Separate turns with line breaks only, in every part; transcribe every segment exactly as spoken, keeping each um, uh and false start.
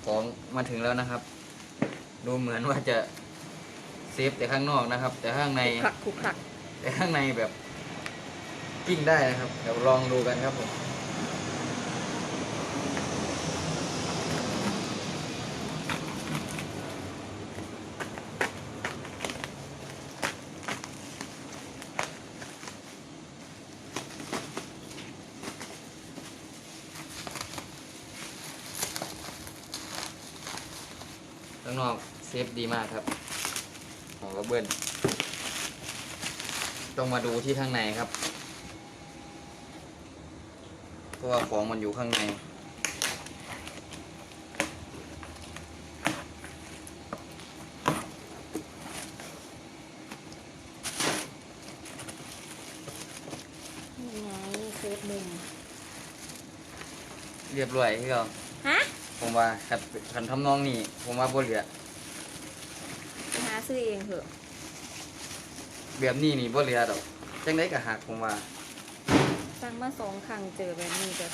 ของมาถึงแล้วนะครับ ดูเหมือนว่าจะเซฟแต่ข้างนอกนะครับ แต่ข้างใน
ขลุกขลักขลุกขลัก
แต่ข้างในแบบกิ้งได้นะครับเดี๋ยวลองดูกันครับผมข้างนอกเซฟดีมากครับของกระเบื้องต้องมาดูที่ข้างในครับเพราะว่าของมันอยู่ข้างใน
นี่ไงเซฟมุม
เรียบร้อยที่เรา
ฮะ
ผมว่าขัดขันทำนองนี่ผมว่าบ่เหลือ
ไปหาซื้อเองเถอะ
แบบนี้นี่บ่เหลือดอกจังได๋ก็หักผมว่า
สั่งมาสองครั้งเจอแบบนี้เด้อ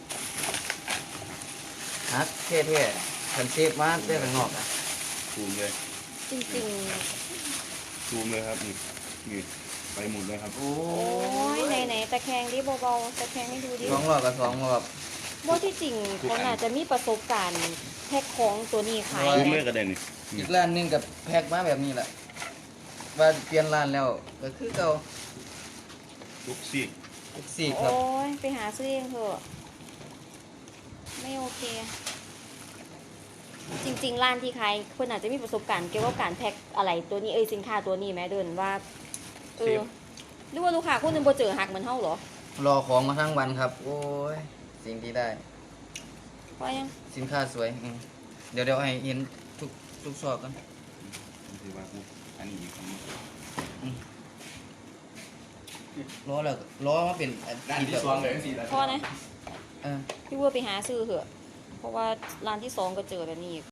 หักเท่ๆคันเซฟมาได้ข้างนอกอ่ะ
ซูมเลย
จริง
ซูมเลยครับนี่นี่ไปหมดเลยครับ
โอ้
ๆ โอ้ยไหนไหนๆตะแคงดิเบาๆตะแคงให้ดูดิ
สองรอบกับสองรอบ
ว่าที่จริงเขาน่าจะมีประสบการณ์แพ็คของตัวนี้ขาย
ซูมเลย
นะ
กระเด็นนี่
อีกร้านหนึงกับแพ็คมาแบบนี้แหละว่าเปลี่ยนร้านแล้วก็คือเก่า
ทุกซีก
ทุกสี่ครับ
โอ้ยไปหาซื้อเองเถอะไม่โอเค จริง ๆ ร้านที่ขายคนอาจจะมีประสบการณ์เกี่ยวกับการแพ็คอะไรตัวนี้เอ้ยสินค้าตัวนี้แม้เดินว่าเออหรือว่าลูกค้าคนหนึงบ่เจอหักเหมือนเฮาเหรอ
รอของมาทั้งวันครับ โอ้ยสิ่งที่ได้
เพราะยัง
สินค้าสวยอืมเดี๋ยวเดี๋ยวให้เห็นทุกทุกซอกกัน
คือว่ากูอันนี้ของ
ล้อแล้วล้อมาเป็น
ด้านที่สองเลยสี่ด้าน
เพราะนะ
เออ
พี่วัวไปหาซื้อเถอะ เพราะว่าร้านที่สองก็เจอแบบนี้